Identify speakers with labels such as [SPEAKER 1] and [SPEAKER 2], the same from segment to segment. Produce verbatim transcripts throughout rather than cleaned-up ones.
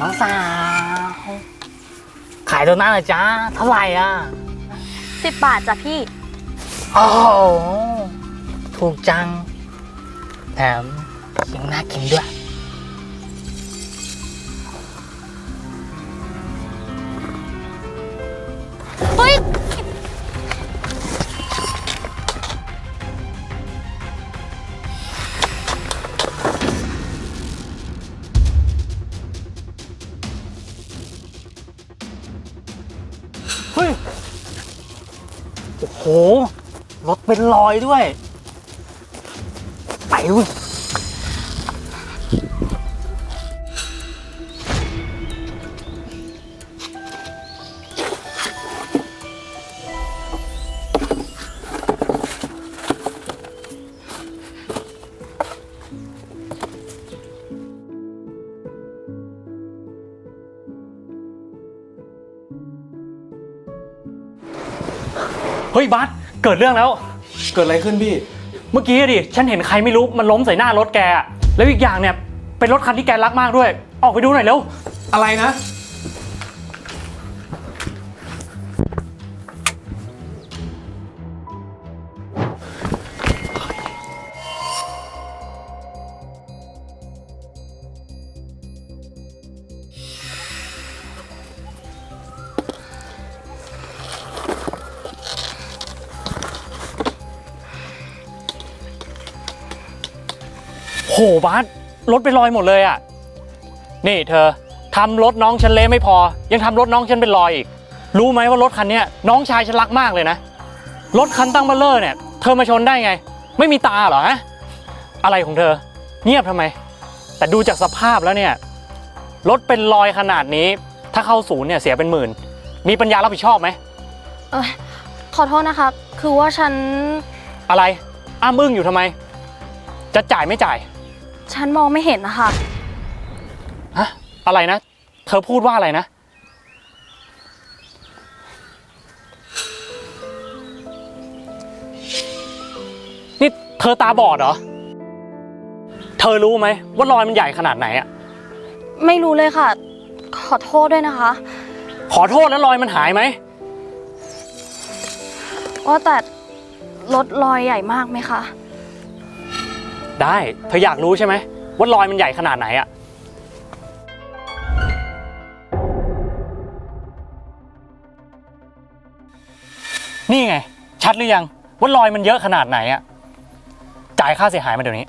[SPEAKER 1] น้องสาวขายโดนัทเหรอจ๊ะเท่าไหร่อ่ะ
[SPEAKER 2] สิบบาทจ้ะพี่
[SPEAKER 1] โอ้โหถูกจังแถมยังน่ากินด้วย
[SPEAKER 2] เฮ้ย
[SPEAKER 1] เฮ้ยโอ้โหรถเป็นรอยด้วยไปเว้ย
[SPEAKER 3] เฮ้ยบัสเกิดเรื่องแล้ว
[SPEAKER 4] เกิดอะไรขึ้นพี่
[SPEAKER 3] เมื่อกี้ดิฉันเห็นใครไม่รู้มันล้มใส่หน้ารถแกแล้วอีกอย่างเนี่ยเป็นรถคันที่แกรักมากด้วยออกไปดูหน่อยเร็ว
[SPEAKER 4] อะไรนะ
[SPEAKER 3] โหบัสรถเป็นรอยหมดเลยอ่ะนี่เธอทำรถน้องฉันเละไม่พอยังทำรถน้องฉันเป็นรอยอีกรู้ไหมว่ารถคันนี้น้องชายฉันรักมากเลยนะรถคันตั้งเบลเลอร์เนี่ยเธอมาชนได้ไงไม่มีตาเหรอฮะอะไรของเธอเงียบทำไมแต่ดูจากสภาพแล้วเนี่ยรถเป็นรอยขนาดนี้ถ้าเข้าศูนย์เนี่ยเสียเป็นหมื่นมีปัญญารับผิดชอบไหม
[SPEAKER 2] เออขอโทษนะคะคือว่าฉัน
[SPEAKER 3] อะไรอ้ามอึ้งอยู่ทำไมจะจ่ายไม่จ่าย
[SPEAKER 2] ฉันมองไม่เห็นนะคะ
[SPEAKER 3] ฮะอะไรนะเธอพูดว่าอะไรนะนี่เธอตาบอดเหรอเธอรู้ไหมว่ารอยมันใหญ่ขนาดไหนอะ
[SPEAKER 2] ไม่รู้เลยค่ะขอโทษด้วยนะคะ
[SPEAKER 3] ขอโทษแล้วรอยมันหายไหม
[SPEAKER 2] ว่าแต่รถรอยใหญ่มากไหมคะ
[SPEAKER 3] ได้เธออยากรู้ใช่ไหมว่ารอยมันใหญ่ขนาดไหนอะนี่ไงชัดหรือยังว่ารอยมันเยอะขนาดไหนอะจ่ายค่าเสียหายมาเดี๋ยวนี้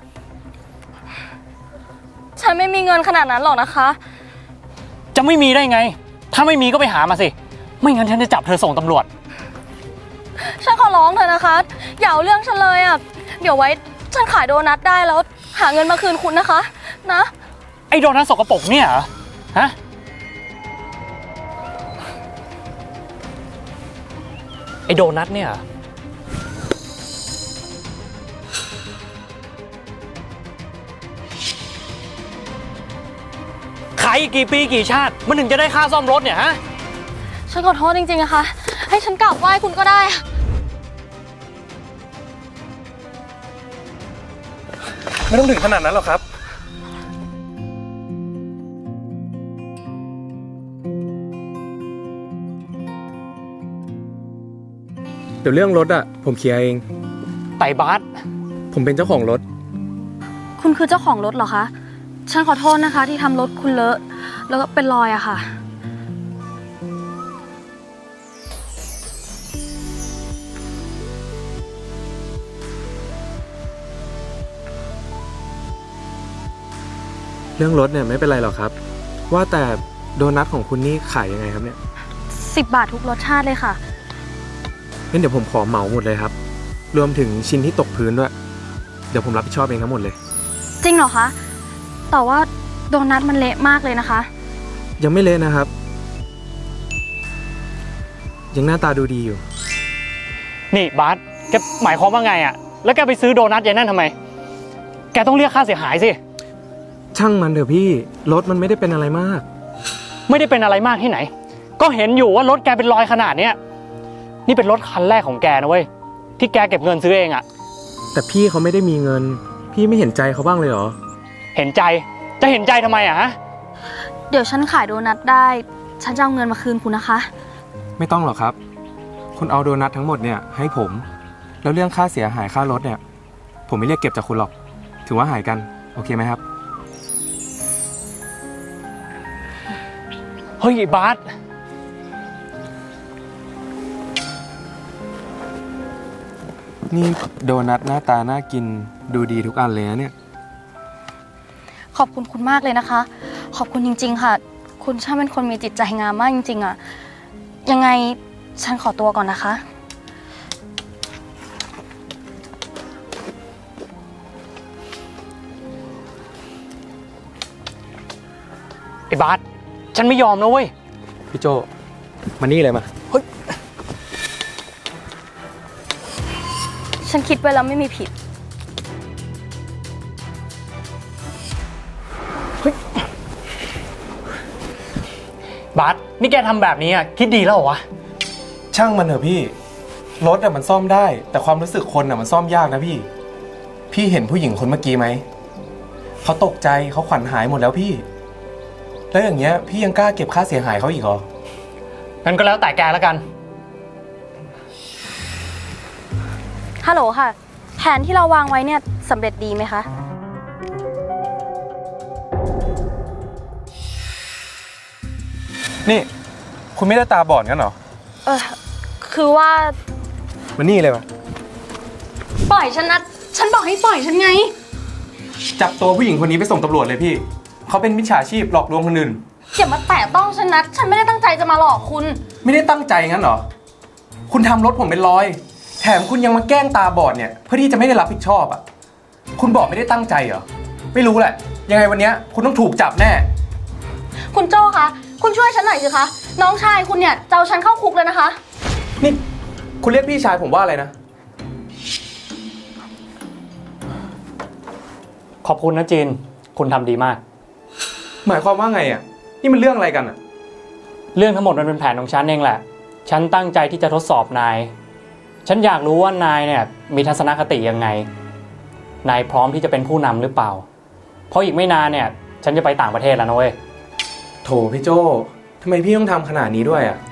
[SPEAKER 2] ฉันไม่มีเงินขนาดนั้นหรอกนะคะ
[SPEAKER 3] จะไม่มีได้ไงถ้าไม่มีก็ไปหามาสิไม่งั้นฉันจะจับเธอส่งตำรวจ
[SPEAKER 2] ฉันขอร้องเธอนะคะอย่าเอาเรื่องฉันเลยอะเดี๋ยวไว้ฉันขายโดนัทได้แล้วหาเงินมาคืนคุณนะคะนะ
[SPEAKER 3] ไอ้โดนัทสกปรกเนี่ยเหรอฮะไอ้โดนัทเนี่ยขายกี่ปีกี่ชาติมันถึงจะได้ค่าซ่อมรถเนี่ยฮะ
[SPEAKER 2] ฉันขอโทษจริงๆนะคะให้ฉันกราบไหว้คุณก็ได้
[SPEAKER 4] ไม่ต้องถึงขนาดนั้นหรอกครับเดี๋ยวเรื่องรถอ่ะผมเคลียร์เอง
[SPEAKER 3] ไต่บาส
[SPEAKER 4] ผมเป็นเจ้าของรถ
[SPEAKER 2] คุณคือเจ้าของรถเหรอคะฉันขอโทษนะคะที่ทำรถคุณเลอะแล้วก็เป็นรอยอะค่ะ
[SPEAKER 4] เรื่องรถเนี่ยไม่เป็นไรหรอกครับว่าแต่โดนัทของคุณนี่ขายยังไงครับเนี่ย
[SPEAKER 2] สิบบาททุกรสชาติเลยค่ะ
[SPEAKER 4] งั้นเดี๋ยวผมขอเหมาหมดเลยครับรวมถึงชิ้นที่ตกพื้นด้วยเดี๋ยวผมรับผิดชอบเองทั้งหมดเลย
[SPEAKER 2] จริงเหรอคะแต่ว่าโดนัทมันเละมากเลยนะคะ
[SPEAKER 4] ยังไม่เละนะครับยังหน้าตาดูดีอยู่
[SPEAKER 3] นี่บาสแกหมายความว่าไงอะแล้วแกไปซื้อโดนัทอย่างนั้นทำไมแกต้องเรียกค่าเสียหายสิ
[SPEAKER 4] ช่างมันเถอะพี่รถมันไม่ได้เป็นอะไรมาก
[SPEAKER 3] ไม่ได้เป็นอะไรมากที่ไหนก็เห็นอยู่ว่ารถแกเป็นรอยขนาดเนี้ยนี่เป็นรถคันแรกของแกนะเว้ยที่แกเก็บเงินซื้อเองอะ
[SPEAKER 4] แต่พี่เขาไม่ได้มีเงินพี่ไม่เห็นใจเขาบ้างเลยเหรอ
[SPEAKER 3] เห็นใจจะเห็นใจทำไมอะฮะ
[SPEAKER 2] โเดี๋ยวฉันขายโดนัทได้ ฉันจะเอาเงินมาคืนคุณนะคะ
[SPEAKER 4] ไม่ต้องหรอกครับ คุณเอาโดนัททั้งหมดเนี่ยให้ผม แล้วเรื่องค่าเสียหายค่ารถเนี่ย ผมไม่เรียกเก็บจากคุณหรอก ถือว่าหายกัน โอเคไหมครับ
[SPEAKER 3] เฮ้ยไอ้บาส
[SPEAKER 4] นี่โดนัทหน้าตาน่ากินดูดีทุกอันเลยนะเนี่ย
[SPEAKER 2] ขอบคุณคุณมากเลยนะคะ ขอบคุณจริง ๆ ค่ะ คุณช่างเป็นคนมีจิตใจงามมากจริงๆอะยังไงฉันขอตัวก่อนนะคะ
[SPEAKER 3] ไอ้บาสฉันไม่ยอมนะเว้ย
[SPEAKER 4] พี่โจมานี่เลยมา
[SPEAKER 2] ฉันคิดไว้แล้วไม่มีผิด
[SPEAKER 3] บาสนี่แกทำแบบนี้อ่ะคิดดีแล้วเหรอวะ
[SPEAKER 4] ช่างมันเถอะพี่ รถอะมันซ่อมได้ แต่ความรู้สึกคนอะมันซ่อมยากนะพี่ พี่เห็นผู้หญิงคนเมื่อกี้ไหม เขาตกใจเขาขวัญหายหมดแล้วพี่ แล้วอย่างเงี้ยพี่ยังกล้าเก็บค่าเสียหายเขาอีกเหรอ
[SPEAKER 3] งั้นก็แล้วแต่แกแล้วกัน
[SPEAKER 2] ฮัลโหลค่ะ แผนที่เราวางไว้เนี่ยสำเร็จดีไหมคะ
[SPEAKER 4] นี่ คุณไม่ได้ตาบอดกันเหรอ
[SPEAKER 2] เออคือว่า
[SPEAKER 4] มานี่เลยมา
[SPEAKER 2] ปล่อยฉันนะ ฉันบอกให้ปล่อยฉันไง
[SPEAKER 4] จับตัวผู้หญิงคนนี้ไปส่งตำรวจเลยพี่ เขาเป็นมิจฉาชีพหลอกลวงคนอื่น
[SPEAKER 2] อย่ามาแตะต้องฉันนะ ฉันไม่ได้ตั้งใจจะมาหลอกคุณ
[SPEAKER 4] ไม่ได้ตั้งใจงั้นเหรอ คุณทำรถผมเป็นรอย แถมคุณยังมาแกล้งตาบอดเนี่ยเพื่อที่จะไม่ได้รับผิดชอบอ่ะ คุณบอกไม่ได้ตั้งใจเหรอ ไม่รู้แหละ ยังไงวันเนี้ยคุณต้องถูกจับแน่
[SPEAKER 2] คุณโจ้คะ คุณช่วยฉันหน่อยสิคะ น้องชายคุณเนี่ยจะเอาฉันเข้าคุกเลยนะคะ
[SPEAKER 4] นี่คุณเรียกพี่ชายผมว่าอะไรนะ
[SPEAKER 3] ขอบคุณนะจีน คุณทำดีมาก
[SPEAKER 4] หมายความว่าไงอ่ะ นี่มันเรื่องอะไรกันอ่ะ
[SPEAKER 3] เรื่องทั้งหมดมันเป็นแผนของฉันเองแหละ ฉันตั้งใจที่จะทดสอบนาย ฉันอยากรู้ว่านายเนี่ยมีทัศนคติยังไง นายพร้อมที่จะเป็นผู้นำหรือเปล่า เพราะอีกไม่นานเนี่ยฉันจะไปต่างประเทศแล้วนะเว้ย
[SPEAKER 4] โถพี่โจทำไมพี่ต้องทำขนาดนี้ด้วยอ่ะ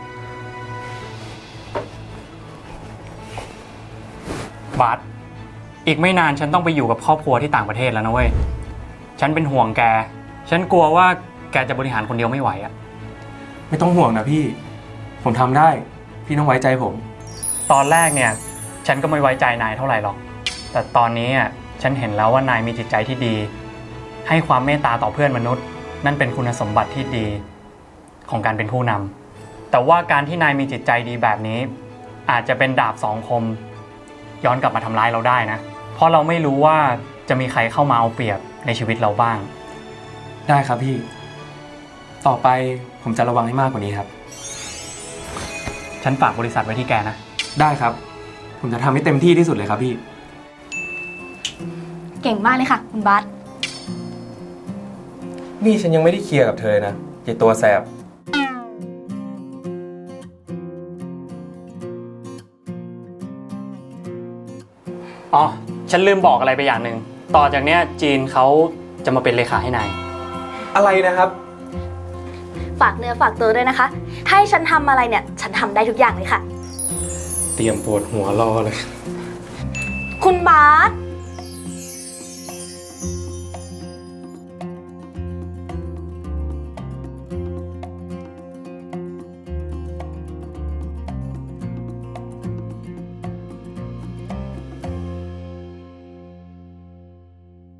[SPEAKER 3] บาสอีกไม่นานฉันต้องไปอยู่กับครอบครัวที่ต่างประเทศแล้วนะเว้ย ฉันเป็นห่วงแก ฉันกลัวว่าแกจะบริหารคนเดียวไม่ไหวอะ
[SPEAKER 4] ไม่ต้องห่วงนะพี่ ผมทำได้ พี่ต้องไว้ใจผม
[SPEAKER 3] ตอนแรกเนี่ยฉันก็ไม่ไว้ใจนายเท่าไหร่หรอก แต่ตอนนี้อ่ะฉันเห็นแล้วว่านายมีจิตใจที่ดี ให้ความเมตตาต่อเพื่อนมนุษย์ นั่นเป็นคุณสมบัติที่ดีของการเป็นผู้นำแต่ว่าการที่นายมีจิตใจดีแบบนี้ อาจจะเป็นดาบสองคม ย้อนกลับมาทำร้ายเราได้นะ เพราะเราไม่รู้ว่าจะมีใครเข้ามาเอาเปรียบในชีวิตเราบ้าง
[SPEAKER 4] ได้ครับพี่ ต่อไปผมจะระวังให้มากกว่านี้ครับ
[SPEAKER 3] ฉันฝากบริษัทไว้ที่แกนะ
[SPEAKER 4] ได้ครับ ผมจะทำให้เต็มที่ที่สุดเลยครับพี่
[SPEAKER 2] เก่งมากเลยค่ะ คุณบาส
[SPEAKER 4] นี่ฉันยังไม่ได้เคลียร์กับเธอนะไอ้ตัวแสบ
[SPEAKER 3] อ๋อ ฉันลืมบอกอะไรไปอย่างหนึ่ง ต่อจากเนี้ยจีนเขาจะมาเป็นเลขาให้นาย
[SPEAKER 4] อะไรนะครับ
[SPEAKER 2] ฝากเนื้อฝากตัวด้วยนะคะ ถ้าให้ฉันทำอะไรเนี่ย ฉันทำได้ทุกอย่างเลยค่ะ
[SPEAKER 4] เตรียมปวดหัวรอเลย
[SPEAKER 2] คุณบาส